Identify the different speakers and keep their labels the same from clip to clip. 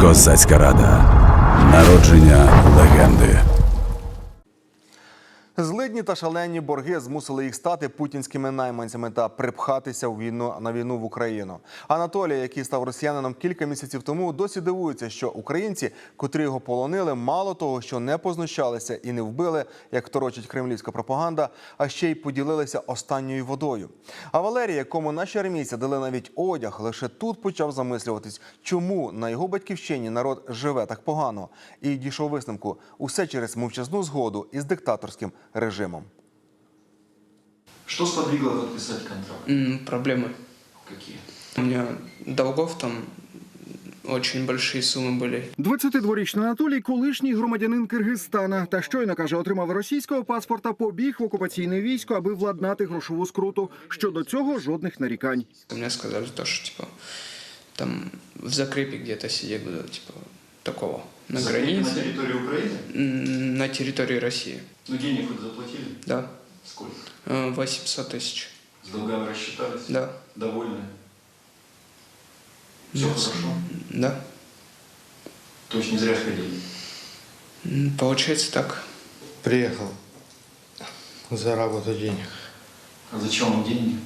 Speaker 1: Козацька рада. Народження легенди.
Speaker 2: Злидні та шалені борги змусили їх стати путінськими найманцями та припхатися на війну в Україну. Анатолій, який став росіянином кілька місяців тому, досі дивується, що українці, котрі його полонили, мало того, що не познущалися і не вбили, як торочить кремлівська пропаганда, а ще й поділилися останньою водою. А Валерій, якому наші армійці дали навіть одяг, лише тут почав замислюватись, чому на його батьківщині народ живе так погано. І дійшов висновку – усе через мовчазну згоду із диктаторським режимом.
Speaker 3: Что сподвигло подписать контракт?
Speaker 4: Проблемы.
Speaker 3: Какие?
Speaker 4: У меня долгов там очень большие суммы были.
Speaker 5: 22-річний Анатолій – колишній громадянин Киргизстана. Та щойно, каже, отримав російського паспорта, побіг в окупаційне військо, аби владнати грошову скруту. Щодо цього жодних нарікань.
Speaker 4: Мне сказали то, что типа там в закрепе где-то сидеть буду, типа такого. На границе.
Speaker 3: На территории Украины?
Speaker 4: На территории России.
Speaker 3: Ну, денег хоть заплатили?
Speaker 4: Да.
Speaker 3: Сколько?
Speaker 4: 800 тысяч.
Speaker 3: С долгами рассчитались?
Speaker 4: Да.
Speaker 3: Довольны? Все хорошо?
Speaker 4: Да.
Speaker 3: То есть не зря ходили?
Speaker 4: Получается так.
Speaker 6: Приехал заработать денег.
Speaker 3: А зачем вам деньги?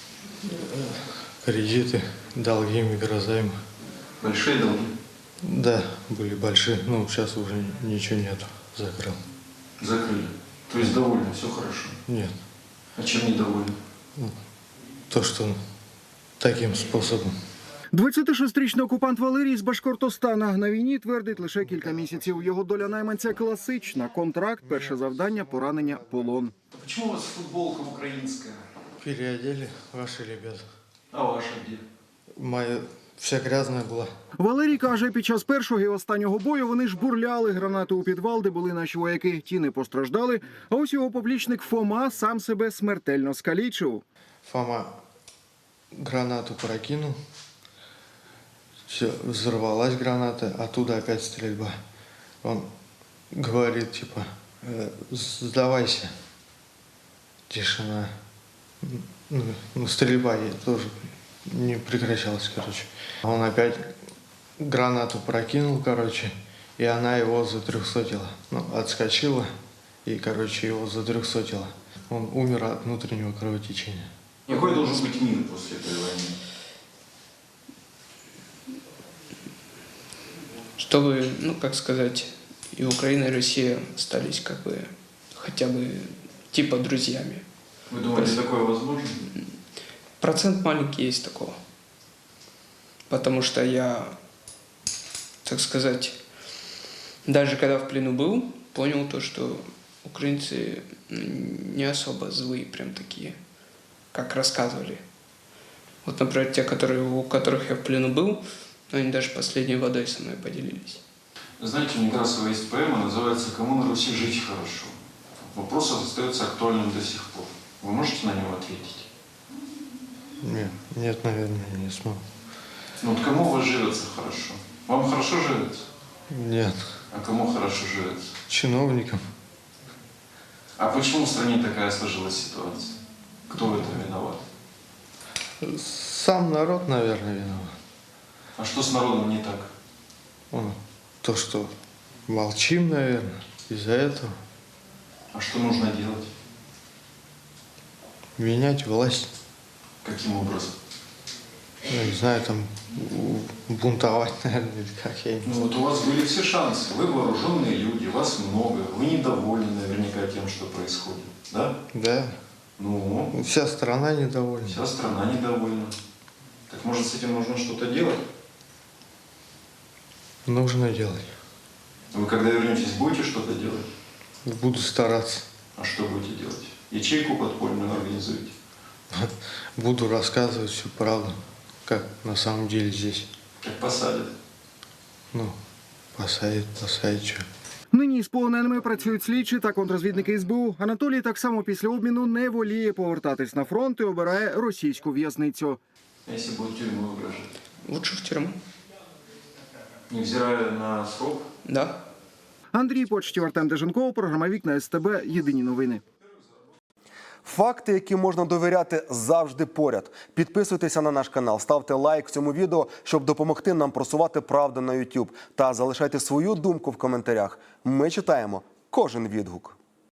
Speaker 6: Кредиты, долги, микрозаймы.
Speaker 3: Большие долги?
Speaker 6: Да, были большие, но сейчас уже ничего нету. Закрыл.
Speaker 3: Закрыли. То есть довольны, все хорошо?
Speaker 6: Нет.
Speaker 3: А чем недовольны?
Speaker 6: То, что таким способом.
Speaker 5: 26-річний окупант Валерій з Башкортостана на війні твердить лише кілька місяців. Його доля найманця класична. Контракт, перше завдання, поранення, полон.
Speaker 3: А почему у вас футболка украинская?
Speaker 6: Переодели ваши ребята.
Speaker 3: А ваша где?
Speaker 6: Моя вся грязная была.
Speaker 5: Валерій каже, під час першого і останнього бою вони жбурляли гранати у підвал, де були наші вояки. Ті не постраждали, а ось його поплічник Фома сам себе смертельно скалічив.
Speaker 6: Фома гранату прокинул. Все, взорвалась граната, оттуда опять стрельба. Он говорит, типа, сдавайся. Тишина. Ну, стрельба тоже не прекращалась, короче. Он опять гранату прокинул, короче, и она его затрехсотила. Ну, отскочила и, короче, его затрехсотила. Он умер от внутреннего кровотечения.
Speaker 3: Какой должен быть мир после этой войны?
Speaker 4: Чтобы, ну как сказать, и Украина, и Россия остались как бы хотя бы типа друзьями.
Speaker 3: Вы думаете, такое возможно?
Speaker 4: Процент маленький есть такого. Потому что я, так сказать, даже когда в плену был, понял то, что украинцы не особо злые, прям такие, как рассказывали. Вот, например, те, у которых я в плену был, они даже последней водой со мной поделились.
Speaker 3: Знаете, у Некрасова есть поэма, называется «Кому на Руси жить хорошо?». Вопрос остается актуальным до сих пор. Вы можете на него ответить?
Speaker 6: Нет, наверное, не смогу.
Speaker 3: Ну вот кому у вас живется хорошо? Вам хорошо живется?
Speaker 6: Нет.
Speaker 3: А кому хорошо живется?
Speaker 6: Чиновникам.
Speaker 3: А почему в стране такая сложилась ситуация? Кто в этом виноват?
Speaker 6: Сам народ, наверное, виноват.
Speaker 3: А что с народом не так?
Speaker 6: То, что молчим, наверное, из-за этого.
Speaker 3: А что нужно делать?
Speaker 6: Менять власть.
Speaker 3: Каким образом?
Speaker 6: Ну, не знаю, там бунтовать, наверное, или как я не
Speaker 3: Ну
Speaker 6: знаю.
Speaker 3: вот у вас были все шансы. Вы вооруженные люди, вас много. Вы недовольны наверняка тем, что происходит. Да?
Speaker 6: Да.
Speaker 3: Ну,
Speaker 6: Вся страна недовольна.
Speaker 3: вся страна недовольна. Так может с этим нужно что-то делать?
Speaker 6: Нужно делать.
Speaker 3: Вы когда вернетесь, будете что-то делать?
Speaker 6: Буду стараться.
Speaker 3: А что будете делать? Ячейку подпольную организуете?
Speaker 6: Буду рассказывать всю правду, как на самом деле здесь.
Speaker 3: Как посадят?
Speaker 6: Ну, посадить, что.
Speaker 5: Нині з полоненими працюють слідчі та контррозвідники СБУ. Анатолій так само після обміну не воліє повертатись на фронт і обирає російську в'язницю.
Speaker 3: А если будет тюрьму угрожать?
Speaker 4: Лучше в тюрьму.
Speaker 3: Невзирая на срок?
Speaker 4: Да.
Speaker 5: Андрій Почтів, Артем Деженков, програма «Вікна СТБ». Єдині новини.
Speaker 2: Факти, які можна довіряти, завжди поряд. Підписуйтеся на наш канал, ставте лайк цьому відео, щоб допомогти нам просувати правду на YouTube. Та залишайте свою думку в коментарях. Ми читаємо кожен відгук.